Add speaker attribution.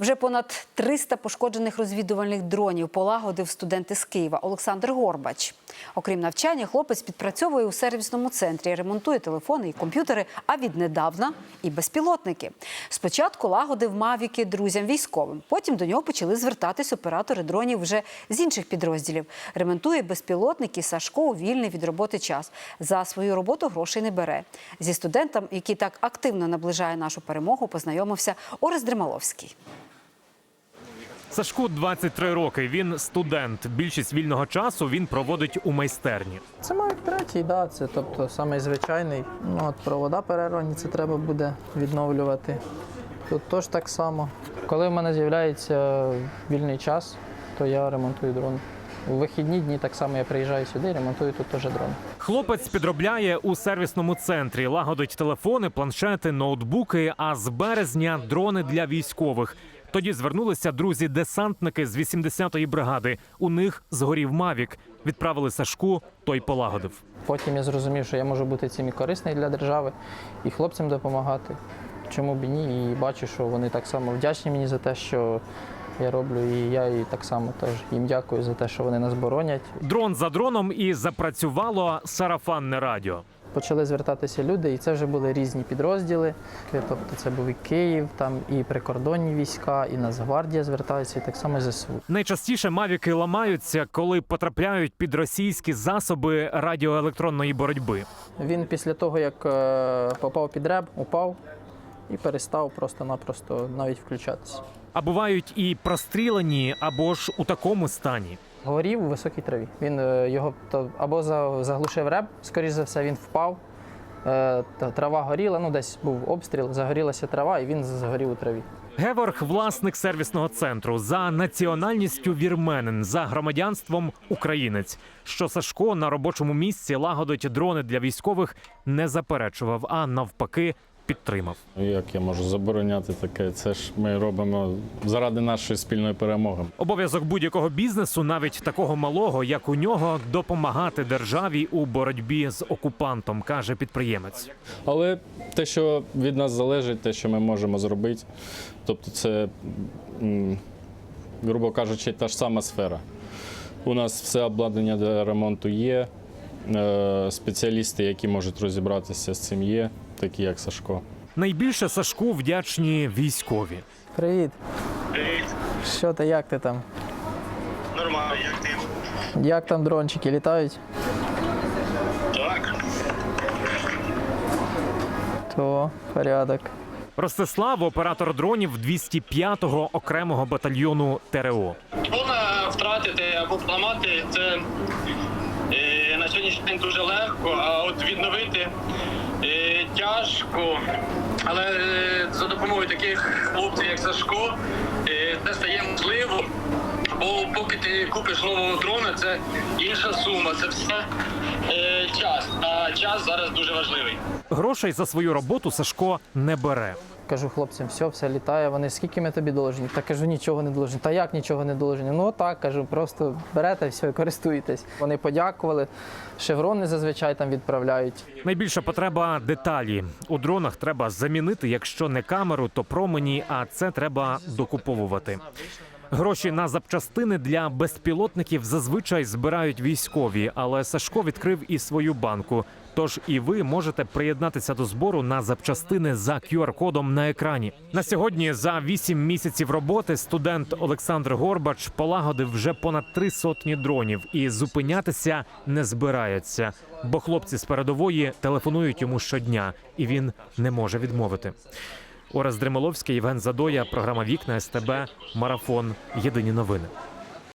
Speaker 1: Вже понад 300 пошкоджених розвідувальних дронів полагодив студент із Києва Олександр Горбач. Окрім навчання, хлопець підпрацьовує у сервісному центрі, ремонтує телефони і комп'ютери, а віднедавна і безпілотники. Спочатку лагодив мавіки друзям військовим, потім до нього почали звертатись оператори дронів вже з інших підрозділів. Ремонтує безпілотники Сашко у вільний від роботи час. За свою роботу грошей не бере. Зі студентом, який так активно наближає нашу перемогу, познайомився Орест Дремаловський.
Speaker 2: Сашку 23 роки, він студент. Більшість вільного часу він проводить у майстерні.
Speaker 3: Це Mavic 3, да, це тобто самий звичайний. Провода перервані, це треба буде відновлювати. Тут теж так само. Коли в мене з'являється вільний час, то я ремонтую дрон. У вихідні дні так само я приїжджаю сюди і ремонтую тут теж дрон.
Speaker 2: Хлопець підробляє у сервісному центрі, лагодить телефони, планшети, ноутбуки, а з березня – дрони для військових. Тоді звернулися друзі-десантники з 80-ї бригади. У них згорів мавік. Відправили Сашку, той полагодив.
Speaker 3: Потім я зрозумів, що я можу бути цим і корисний для держави, і хлопцям допомагати. Чому б і ні? І бачу, що вони так само вдячні мені за те, що я роблю, і я і так само теж їм дякую за те, що вони нас боронять.
Speaker 2: Дрон за дроном і запрацювало сарафанне радіо.
Speaker 3: Почали звертатися люди, і це вже були різні підрозділи. Тобто це був і Київ, там і прикордонні війська, і Нацгвардія зверталися, і так само ЗСУ.
Speaker 2: Найчастіше мавіки ламаються, коли потрапляють під російські засоби радіоелектронної боротьби.
Speaker 3: Він після того, як попав під реб, упав і перестав просто-напросто навіть включатися.
Speaker 2: А бувають і прострілені, або ж у такому стані.
Speaker 3: Горів у високій траві. Він його або заглушив реб, скоріш за все, він впав. Трава горіла, десь був обстріл, загорілася трава, і він згорів у траві.
Speaker 2: Геворг – власник сервісного центру. За національністю вірменин, за громадянством українець. Що Сашко на робочому місці лагодить дрони для військових, не заперечував, а навпаки підтримав.
Speaker 4: Як я можу забороняти таке? Це ж ми робимо заради нашої спільної перемоги.
Speaker 2: Обов'язок будь-якого бізнесу, навіть такого малого, як у нього, допомагати державі у боротьбі з окупантом, каже підприємець.
Speaker 4: Але те, що від нас залежить, те, що ми можемо зробити, тобто це, грубо кажучи, та ж сама сфера. У нас все обладнання для ремонту є, спеціалісти, які можуть розібратися з цим, є, такі як Сашко.
Speaker 2: Найбільше Сашку вдячні військові.
Speaker 3: Привіт.
Speaker 5: Привіт.
Speaker 3: Що ти, як ти там?
Speaker 5: Нормально, як ти?
Speaker 3: Як там дрончики літають?
Speaker 5: Так.
Speaker 3: То порядок.
Speaker 2: Ростислав – оператор дронів 205-го окремого батальйону ТРО.
Speaker 5: Дрона втратити або поламати – це на сьогоднішній день дуже легко, а от відновити тяжко. Але за допомогою таких хлопців, як Сашко, це стає можливо. Бо поки ти купиш нового дрона, це інша сума, це все час. А час зараз дуже важливий.
Speaker 2: Грошей за свою роботу Сашко не бере.
Speaker 3: Кажу хлопцям, все літає. Вони, скільки ми тобі должні? Та кажу, нічого не должні. Та як нічого не должні? Ну так, кажу, просто берете, все, користуєтесь. Вони подякували, шеврони зазвичай там відправляють.
Speaker 2: Найбільша потреба – деталі. У дронах треба замінити, якщо не камеру, то промені, а це треба докуповувати. Гроші на запчастини для безпілотників зазвичай збирають військові, але Сашко відкрив і свою банку. Тож і ви можете приєднатися до збору на запчастини за QR-кодом на екрані. На сьогодні за 8 місяців роботи студент Олександр Горбач полагодив вже понад 300 дронів і зупинятися не збирається. Бо хлопці з передової телефонують йому щодня, і він не може відмовити. Орест Дремаловський, Євген Задоя, програма «Вікна», СТБ, Марафон. Єдині новини.